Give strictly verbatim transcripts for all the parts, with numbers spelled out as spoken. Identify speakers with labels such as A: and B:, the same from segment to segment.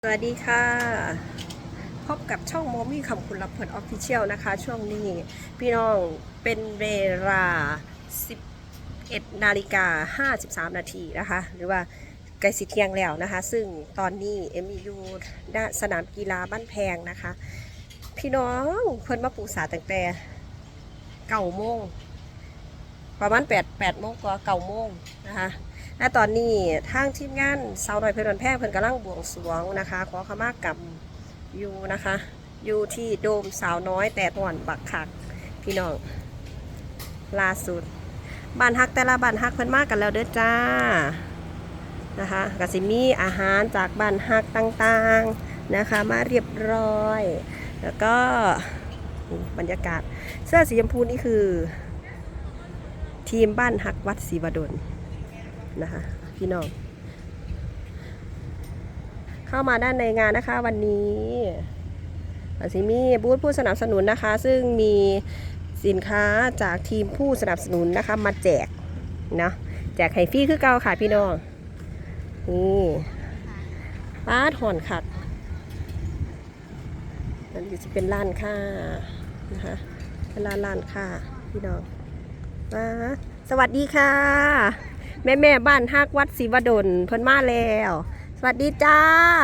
A: สวัสดีค่ะพบกับช่องโมมี่คำคุณรับผลออฟฟิเชียลนะคะช่วงนี้พี่น้องเป็นเวลาสิบเอ็ดนาฬิกาห้าสิบสามนาทีนะคะหรือว่าใกล้สิเที่ยงแล้วนะคะซึ่งตอนนี้เอ็มอยู่ณสนามกีฬาบ้านแพงนะคะพี่น้องเพิ่นมาปลูกสาตั้งแต่เก้าโมงประมาณแปดแปดโมงกว่าเก้าโมงนะคะและตอนนี้ทางทีมงานสาวน้อยเพลินแพงเพิ่นกำลังบวงสรวงนะคะขอขมากรรมอยู่นะคะอยู่ที่โดมสาวน้อยแต่ห่อนบักคักพี่น้องล่าสุดบ้านฮักแต่ละบ้านฮักเพิ่นมากกันแล้วเด้อจ้านะคะกสิมีอาหารจากบ้านฮักต่างๆนะคะมาเรียบร้อยแล้วก็บรรยากาศเสื้อสีชมพูนี่คือทีมบ้านฮักวัดศรีวดลนะคะพี่น้องเข้ามาด้านในงานนะคะวันนี้สิมีบูธผู้สนับสนุนนะคะซึ่งมีสินค้าจากทีมผู้สนับสนุนนะคะมาแจกนะแจกไข่ฟรีคือเก่าค่ะพี่น้องนี่ป้าถอนขัดนั่นจะเป็นร้านค้านะคะเป็นร้านร้านค้าพี่น้องป้าสวัสดีค่ะแม่แม่บ้านฮักวัดศรีวดลเพิ่นมาแล้วสวัสดีจ้า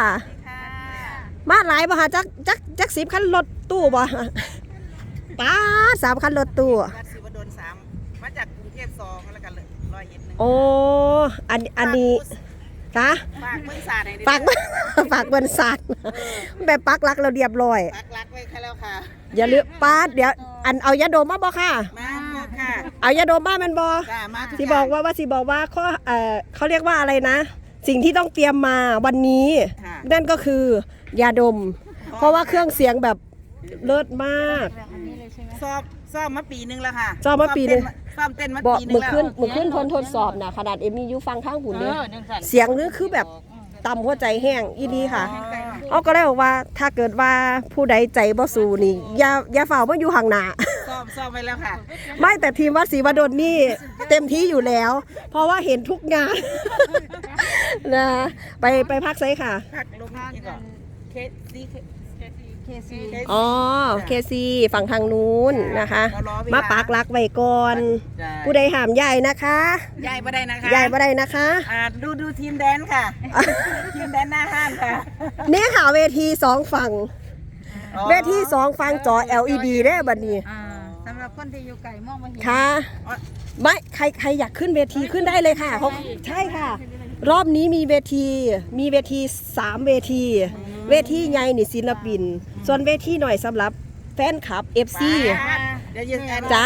A: มาหลายบ่คะจักจักจักสิบคันรถตู้บ่ป้าสามคันรถตู้
B: วัดศรีวดลสามมาจากกรุงเทพสองแล้วกันเลยร้อยเอ็ดหนึ่ง
A: โอ้อันอันนี้คะ
B: ฝากเมืองศาสตร์ให้
A: ฝากฝากบนศาสตร์แบบปักหลักเราเรียบร้อย
B: ปักหลักไว้ค่ะแล้วค่ะ
A: อย่าลืมป้าเดี๋ยวอันเอายาดมมาบ่ค่ะ
B: มาค่ะ
A: เอายาดมมามันบ่สิบอกว่าว่าสิบอกว่าข้อเอ่อเขาเรียกว่าอะไรนะสิ่งที่ต้องเตรียมมาวันนี้นั่นก็คือยาดมเพราะว่าเครื่องเสียงแบบเลิศมาก
B: สอบสอบมาปีนึงแล้วค่ะ
A: สอบมาปีนึง
B: สอบเต้นมาปีนึงแล้ว
A: มือขึ้นมือขึ้นทนทดสอบนะขนาดเอ็มมียูฟังข้างหูเนี่ยเสียงนี่คือแบบต่ำหัวใจแห้งอีดีค่ะเอาก็เลยบอกว่าถ้าเกิดว่าผู้ใดใจบ่สู้นี่อย่าอย่าฝ่าว่าอยู่ห่างหน้า
B: สอบสอบไปแล้วค่ะ
A: ไม่แต่ทีมวัดศรีวดลนี่เต็มที่อยู่แล้วเพราะว่าเห็นทุกงานนะไปไปพักไซค่ะ
B: พักลงนี่ก่อนเคซีเคซี
A: อ๋อเคซีฝั่งทางนู้นนะคะมาปักหลักไว้ก่อนผู้ใดห้ามใหญ่นะคะ
B: ใหญ่บ่ได้นะคะ
A: ใหญ่บ่ได้นะคะ
B: อ่าดูดูทีมแดนค่ะทีมแดนหน้าห้านค่ะ
A: เนี่ยค่ะเวทีสองฝั่งเวทีสองฝั่งจอ แอล อี ดี ได้บัดนี้
B: สำหรับคนที่อยู่ไกลมองไม่เห็น
A: ค่ะไม่ใครใครอยากขึ้นเวทีขึ้นได้เลยค่ะเขาใช่ค่ะรอบนี้มีเวทีมีเวทีสามเวทีเวทีใหญ่นี่ศิลปินส่วนเวทีหน่อยสำหรับแฟนคลับ เอฟ ซี จ้า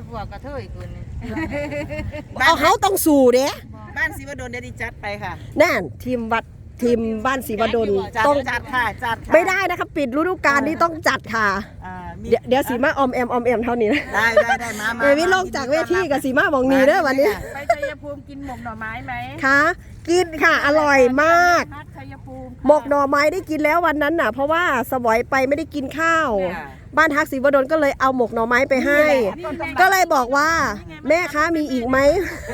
A: เอาเขาต้องสู่เด้
B: บ้านศรีวดลเดี๋ยวดิจัดไปค่ะ
A: นั่นทีมวัดทีมบ้านศรีวดล
B: ต้องจัดค่ะจัด
A: ไม่ได้นะคะปิดฤดูกาลนี้ต้องจัดค่ะเดี๋ยวเดี๋ยวสีมาอมแอมอมแอมเท่านี้นะ
B: ได้ได้ได้มา
A: เอวิลงจากเวทีกับสีมามองนี้เด้อวันนี้
C: ไปชัยภูมิกินหมกหน่อไม้ไหม
A: คะกินค่ะอร่อยมากหมกหน่อไม้ได้กินแล้ววันนั้นน่ะเพราะว่าสวอยไปไม่ได้กินข้าวบ้านฮักศรีวดลก็เลยเอาหมกหน่อไม้ไปให้ก็เลยบอกว่าแม่คะมีอีกไหม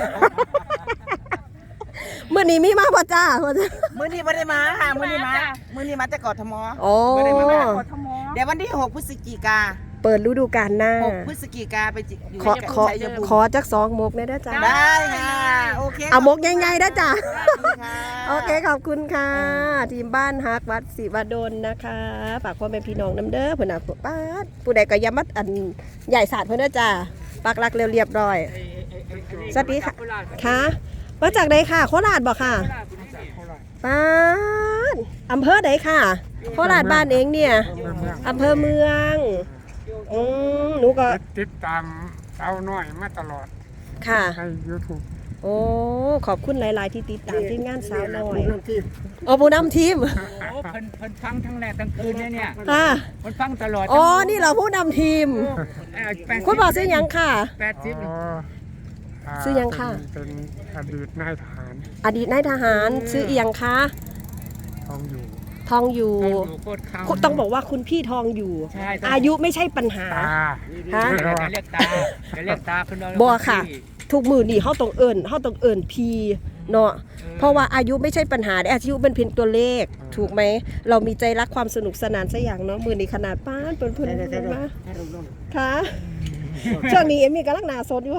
A: เมื่อนี้มีมาป่ะจ้า
B: มื่อนี้ไม่ได้มาค่ะมื่อนี้มามื่อนี้มาจากกทม
A: โอ้
B: เดี๋ยววันที่หกพฤศจิกา
A: เปิดฤดูกาลหน้า
B: หกพฤศจิกาไปอยู่
A: ขอขอขอจักสองมกได้ด้จ้า
B: ได้ค่ะโอเค
A: เอามกใหญ่ๆได้จ้าโอเคขอบคุณค่ะทีมบ้านฮักวัดศรีวดลนะคะฝากพ่อแม่พี่น้องน้ำเด้อเพื่อนน่ะป้าผู้ใดก็ย้ำมัดอันใหญ่ศาสตร์เพื่อนเด้อจ้าปักหลักเรียบร้อยสวัสดีค่ะค่ะมาจากไหนค่ะโคราชบอกค่ะป้าอำเภอไหนค่ะโคราชบ้านเองเนี่ยอำเภอเมืองอืมหนูก็
D: ติดตามสาวน้อยมาตลอด
A: ค่ะ
D: ใน ยูทูบ
A: โอ้ขอบคุณหลายๆที่ติดตามทีมงานสาวน้อยโอ้ผู้นำทีม
C: โอ้เพิ่นเพิ่นฟังทั้งแรกทั้งคืนเนี่ยเนี่ย
A: ค่ะ
C: เพิ่นฟังตลอด
A: อ๋อนี่เราผู้นำทีมคุณบอกซื้อยังค่ะ
C: แปดสิบ
A: ซื้อยังค่ะ
D: เป็นอดีตนายทหาร
A: อดีตนายทหารซื้อเอียงคะ
D: ทองอยู่
A: ทองอยู่ต้องบอกว่าคุณพี่ทองอยู่อายุไม่ใช่ปัญหา
C: ฮะจะเรียกตาจะเรียกตาคุณน้อง
A: บอกค่ะทุกมือนี่เขาต้องเอิญเขาต้องเอิญพีเนาะเพราะว่าอายุไม่ใช่ปัญหาอายุเป็นเพียงตัวเลขถูกไหมเรามีใจรักความสนุกสนานสักอย่างเนาะมือนี้ขนาดป้านเพิ่นเพิ่นเพิ่นมาค่ะช่วงนี้เอ็มมี่กำลังหนาสดอยู่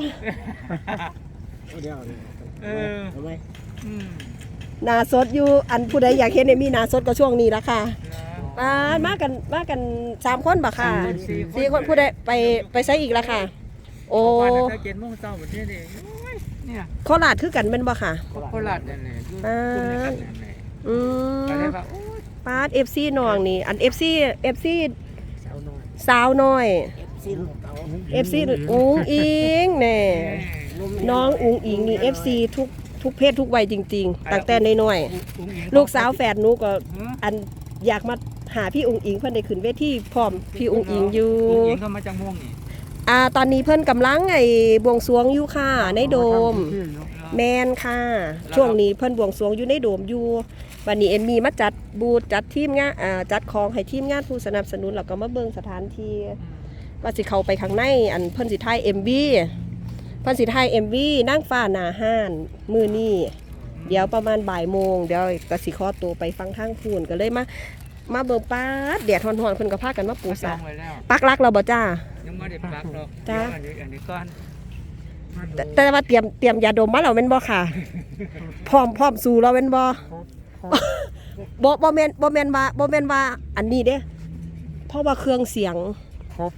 C: เอออืม
A: หนาสดอยู่อันผู้ใดอยากเห็นเอ็มมี่หนาสดก็ช่วงนี้ละค่ะป้านมากันมากันสามคนบ่ค่ะสี่คนผู้ใดไปไปใช้อีกละค่ะ โอ้
C: วันนั้นเจ็ดโมงเช้าแบบนี้เลยเนี่ย
A: โคราชคือกันเป็นบ่ค่ะ
C: โคราชนั่นแหละอยู่กลุ่มเดียวกันนั่นแหละ
A: อืม
C: ก็เลยว่าโอ้ย
A: ป้าด เอฟ ซี น้องนี่อัน เอฟ ซี เอฟ ซี
D: สาวน้อย
A: สาวน้อย เอฟ ซี อุ้งอิงแน่น้องอุ้งอิงนี่ เอฟ ซี ทุกทุกเพศทุกวัยจริงๆตั้งแต่น้อยๆลูกสาวแฝดหนูก็อันอยากมาหาพี่อุ้งอิงเพิ่นได้ขึ้นเวทีพร้อมพี่อุ้งอิงอยู่
C: อุ้งอิงเข้ามาจากม่วงนี่
A: อ่าตอนนี้เพิ่นกำลังไอ้บวงสรวงอยู่ค่ะในโดม แมนค่ะ ช่วงนี้เพิ่นบวงสรวงอยู่ในโดมอยู่วันนี้เอ็มมีมาจัดบูธจัดทีมงานอ่าจัดของให้ทีมงานผู้สนับสนุนแล้วก็มาเบิ่งสถานที่ว่าสิเข้าไปข้างในอันเพิ่นสิถ่าย เอ็ม วี เพิ่นสิถ่าย เอ็ม วี นางฟ้าหน้าห้านมื้อนี้เดี๋ยวประมาณบ่ายโมงเดี๋ยวก็สิขอตัวไปฟังทางพูนก็เลยมามาเบิ่งป๊าดแดดร้อนๆเพิ่นก็พากันมาปู
C: จ
A: สา
C: องไว้แล้ว
A: ปักหลักเราบ่จ้า
C: ยังไม่ได้ปักหรอก
A: จ้า
C: อันนี้อันนี้ก่อน
A: แต่แต่ว่าเตรียมเตรียมยาดมมาแล้วแม่นบ่ค่ะ พร้อมพร้อมสู้แล้วแม่นบ่ บ่บ่แม่นบ่แม่นว่าบ่แม่นว่าอันนี้เด้เพราะว่าเครื่องเสียง
D: ครบ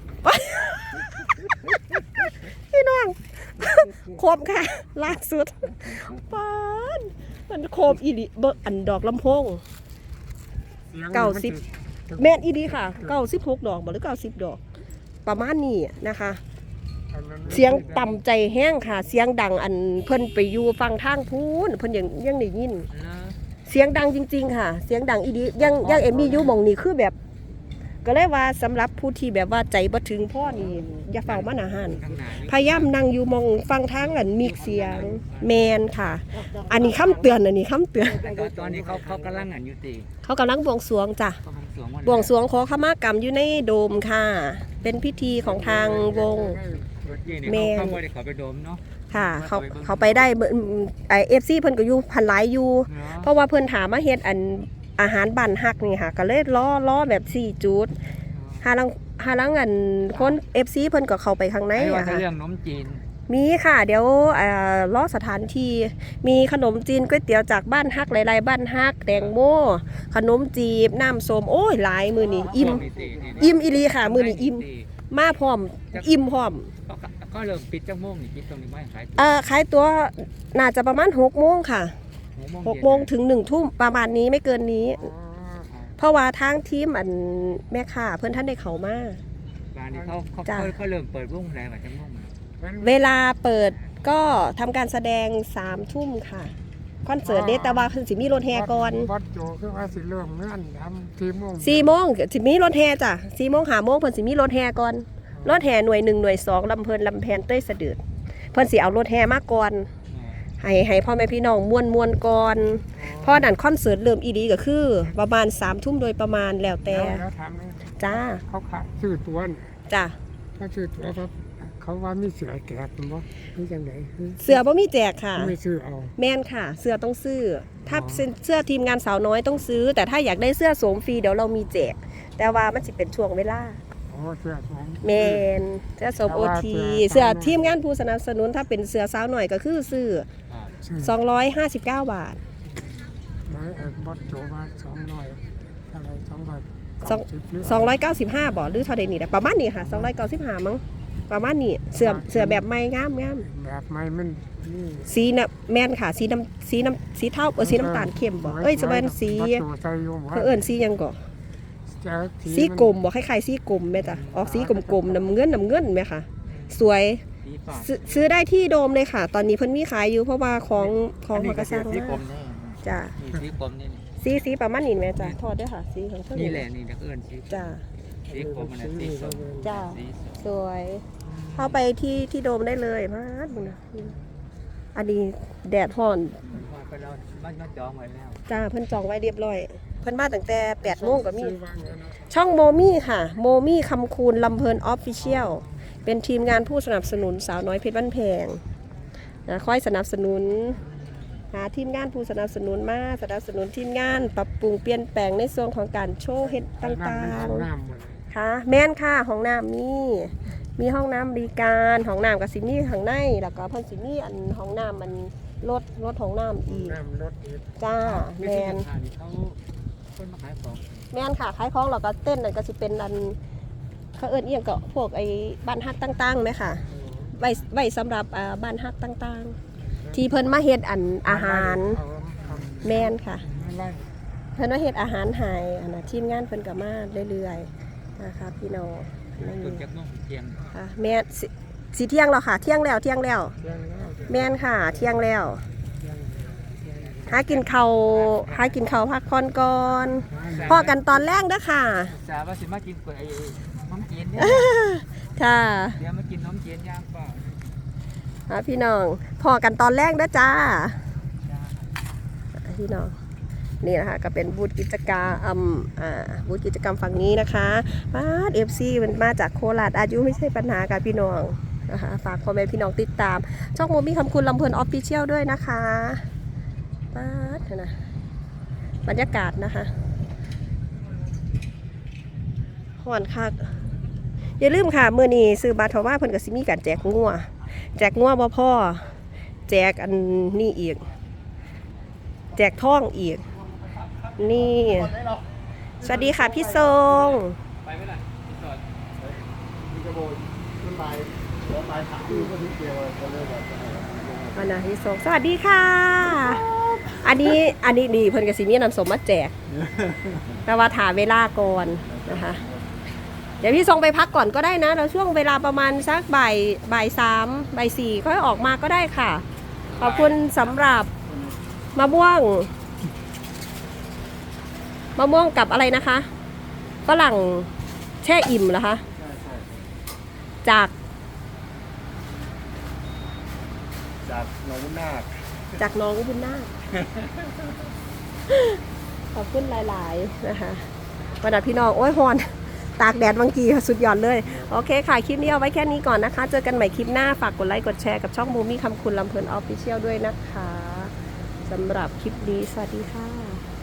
A: พี่น้อง ครบค่ะล่าสุดปานมันครบอีหลีเบิ่งอันดอกลำโพง เก้าสิบ แม่นอีหลีค่ะเก้าสิบหกดอกบ่หรือเก้าสิบดอก ประมาณนี้นะคะ เสียงต่ำใจแห้งค่ะ เสียงดังอันเพิ่นไปอยู่ฟังทางพูนเพิ่นยังยังได้ยิน เสียงดังจริงๆค่ะ เสียงดังอีดียังยังเอมมี่อยู่หมองนี่คือแบบ ก็เลยว่าสำหรับผู้ที่แบบว่าใจบ่ถึงพ่อนี่อย่าเฝ้ามันอาหาร
C: ข้างหน้านี่
A: พยายามนั่งอยู่มองฟังทางอันมีเสียงแมนค่ะ อันนี้คำเตือนอันนี้คำเตือน
C: แต่ก็ตอนนี้เขาเขากำลังอันอยู่ตี
A: เขากำลังบวงสรวงจ้ะ
C: เขาบวงสรวงวัน
A: บวงสรวงขอขมากรรมอยู่ในโดมค่ะ เป็นพิธีของทางวง
C: รถยี่นี่
A: แม่
C: เขาเขาไม่ได้เขาไปโดมเนาะ
A: ค่ะ เขาเขาไปได้ไอเอฟซีเพิ่นก็อยู่พันหลายอยู่ เพราะว่าเพิ่นถามมาเฮ็ดอันอาหารบ้านฮักนี่ค่ะ ก็เลยล้อล้อแบบสี่จุดหาลังหาลังอันคน เอฟ ซี เพิ่นก็เข้าไปข้างใน
C: ไอ้ว่า
A: อะ
C: จะ
A: ค่ะ
C: เรื่องนมจีน
A: มีค่ะ เดี๋ยวเอ่อล้อสถานที่มีขนมจีนก๋วยเตี๋ยวจากบ้านฮักหลายๆบ้านฮักแตงโมขนมจีบน้ำส้มโอ้ยหลายมื้อนี้อิ่มอิ่มอีหลีค่ะ มื้อนี้อิ่มมาพร้อมอิ่มพร้อม
C: ก็ก็เริ่มปิดจังโมงนี่ปิดตรงนี้ไม่ขาย
A: เอ่อขายตัวน่าจะประมาณหกโมงค่ะหกโมงถึงหนึ่งทุ่มประมาณนี้ไม่เกินนี้ เพราะว่าทางทีมอันแม่ค้าเพิ่นท่านได้เข้ามา
C: ร้านนี้เขาเขา
A: จ้ะ
C: เขาเขาเริ่มเปิดวงแล้วจังโมง
A: เวลาเปิดก็ทำการแสดงสามทุ่มค่ะคอนเสิร์ตเดแต่ว่าเพิ่นสิมีรถแห่ก่อน
D: วัดโจคือว่าสิเริ่มเงื่อนทำทีโมง
A: สี่โมงสิมีรถแห่จ้ะสี่โมงห้าโมงเพิ่นสิมีรถแห่ก่อนรถแห่หน่วยหนึ่งหน่วยสองลำเพลินลำแพนเต้ยสะดืดเพิ่นสิเอารถแห่มาก่อนให้ให้พ่อแม่พี่น้องม่วนม่วนก่อนพอนั่นคอนเสิร์ตเริ่มอีดีก็คือ ประมาณสามทุ่มโดยประมาณแล้วแต่
D: แล้วแล้วถามเลย
A: จ้า
D: เขาขายชื่อตัวนี่
A: จ้ะ
D: เขาชื่อตัวครับเขาว่ามีเสือแกะมั้งนี่จังไหน
A: เสื้อบ่มีแจกค่ะ
D: ไม่ซื้อเอา
A: แม่นค่ะ เสื้อต้องซื้อ ถ้าเป็นเสื้อทีมงานสาวน้อยต้องซื้อ แต่ถ้าอยากได้เสื้อสวมฟรีเดี๋ยวเรามีแจก แต่ว่ามันสิเป็นช่วงเวลา
D: อ๋อเสือสอง
A: แมนเสื้อสวมโอทีเสื้อทีมงานผู้สนับสนุนถ้าเป็นเสื้อสาวหน่อยก็คือซื้อ
D: ซื้อ
A: สองร้อยห้าสิบเก้าบาท
D: ไม้เอกวัดโจมาสองร้อยอะไรสองร้อย
A: สอง สองร้อยเก้าสิบห้าบาทหรือเท่าใดนี่แหละประมาณนี้ค่ะสองร้อยเก้าสิบห้ามั้งประมาณนี้เสื้อเสื้อแบบใหม่งามงาม
D: แบบไม้มันนี่
A: สีน่ะแม่นค่ะสีน้ำสีน้ำสีเทาเออสีน้ำตาลเข้มบ่เอ้ยจะเป็นสี
D: วัดโจใส่อยู่ว่า
A: เขาเอิ้นสีหยังก่อ
D: จะ
A: สีกลมบ่คล้ายๆสีกลมแม่จ้ะออกสีกลมๆน้ำเงินน้ำเงินแม่ค่ะ สวย
C: สีฟ้า
A: ซื้อซื้อได้ที่โดมเลยค่ะ ตอนนี้เพิ่นมีขายอยู่เพราะว่าของของเขาก็สร้าง
C: สีกล
A: มาม
C: นี่
A: จ้ะ
C: นี่สีกลมนี่
A: สีสีประมาณนี้แม่จ้ะทอดด้วยค่ะสีของเท่า
C: นี่
A: นี้
C: แหละนี่เอิ้นสี
A: จ้ะ
C: สีกลมมันน่ะสีส้ม
A: จ้ะ
C: สีส้ม
A: สวยเข้าไปที่ที่โดมได้เลยมาดมึงนะอันนี้แดดร้อน
C: ว่าไปเรามันมันจองไว้แล้ว
A: จ้าเพิ่นจองไว้เรียบร้อยเพิ่นมาตั้งแต่แปดโมงก็มี
D: ซื้อวางไว้นะ
A: ช่องโมมี่ค่ะโมมี่คำคูณลำเพลินออฟฟิเชียลเป็นทีมงานผู้สนับสนุนสาวน้อยเพชรบ้านแพงนะคอยสนับสนุนหาทีมงานผู้สนับสนุนมาสนับสนุนทีมงานปรับปรุงเปลี่ยนแปลงในส่วนของการโชว์เฮ็ดต่าง
D: น้ำหมด
A: ๆค่ะแม่นค่ะห้องน้ำมีมีห้องน้ำบริการห้องน้ำกับสิมีข้างในแล้วก็เพิ่นสิมีอันห้องน้ำมันรถรถห้องน้ำอีก
D: น้ำรถ
A: จ้า
C: ไม่
A: แม
C: ใช่
A: น
C: สถานที่เขาคนมาขายของ
A: แม่นค่ะขายของแล้วก็เต้นนั่นก็สิเป็นอันเขาเอิ้นเอียงก็พวกไอ้บ้านฮักต่างๆไหมค่ะไว้ไว้สำหรับอ่าบ้านฮักต่างๆ ที่เพิ่นมาเฮ็ดอันอาหารแม่นค่ะ เพิ่นว่าเฮ็ดอาหารให้อันน่ะทีมงานเพิ่นก็มาเรื่อยๆนะคะพี่น้องนี่
C: จุดจักรนุ่งเทียง
A: ค่ะแม่นสิสิเที่ยงแล้วค่ะเที่ยงแล้วเที่ยงแล้ว แม่นค่ะเที่ยงแล้วหากินข้าวหากินข้าวพักผ่อนก่อนพอกันตอนแรกเด้อค่ะ
C: สาว่าสิมากินก๋วยไอ้น้ำเจียนเนี่ย
A: ค่ะ
C: เดี๋ยวมากินน้ำเจียนย่างเปล่า
A: หาพี่น้องพอกันตอนแรกเด้อจ้า
C: จ้า
A: พี่น้องนี่นะคะก็เป็นบูธกิจกรรมอืมอ่าบูธกิจกรรมฝั่งนี้นะคะมาเอฟซีมันมาจากโคราชอายุไม่ใช่ปัญหาค่ะพี่น้องนะคะฝากพ่อแม่พี่น้องติดตาม ช่องโมมี่คำคุณลำเพลินออฟฟิเชียลด้วยนะคะป้าดเถอะนะบรรยากาศนะคะห่อนคักอย่าลืมค่ะเมื่อนี้ซื้อบัตรเพราะว่าเพิ่นกับซิมีการแจกงัวแจกงัวบ่พ่อแจกอันนี้อีกแจกท่องอีกนี่สวัสดีค่ะพี่ทรง
C: ไปไหมล่ะพี่จอด
A: มานะพี่ทรงสวัสดีค่ะ อันนี้อันนี้ดีเพิ่นกับซิมีนำสมมาแจกแต่ว่าถาเวลาก่อนนะคะ เดี๋ยวพี่ทรงไปพักก่อนก็ได้นะเราช่วงเวลาประมาณสักบ่ายบ่ายสามบ่ายสี่ค่อยออกมาก็ได้ค่ะ ขอบคุณสำหรับมะม่วงมะม่วงกับอะไรนะคะฝรั่งแช่อิ่มเหรอคะจาก
E: จากหนองบุญนาค
A: จากน้องบุญนาค ขอบคุณหลาย ๆ นะคะวันนี้พี่น้องโอ้ยฮอนตากแดดบางทีสุดยอดเลย โอเคค่ะ คลิปนี้เอาไว้แค่นี้ก่อนนะคะ เจอกันใหม่คลิปหน้า ฝากกดไลค์กดแชร์กับช่องมูมี่คำคุณลำเพลินออฟฟิเชียลด้วยนะคะสำหรับคลิปนี้ สวัสดีค่ะ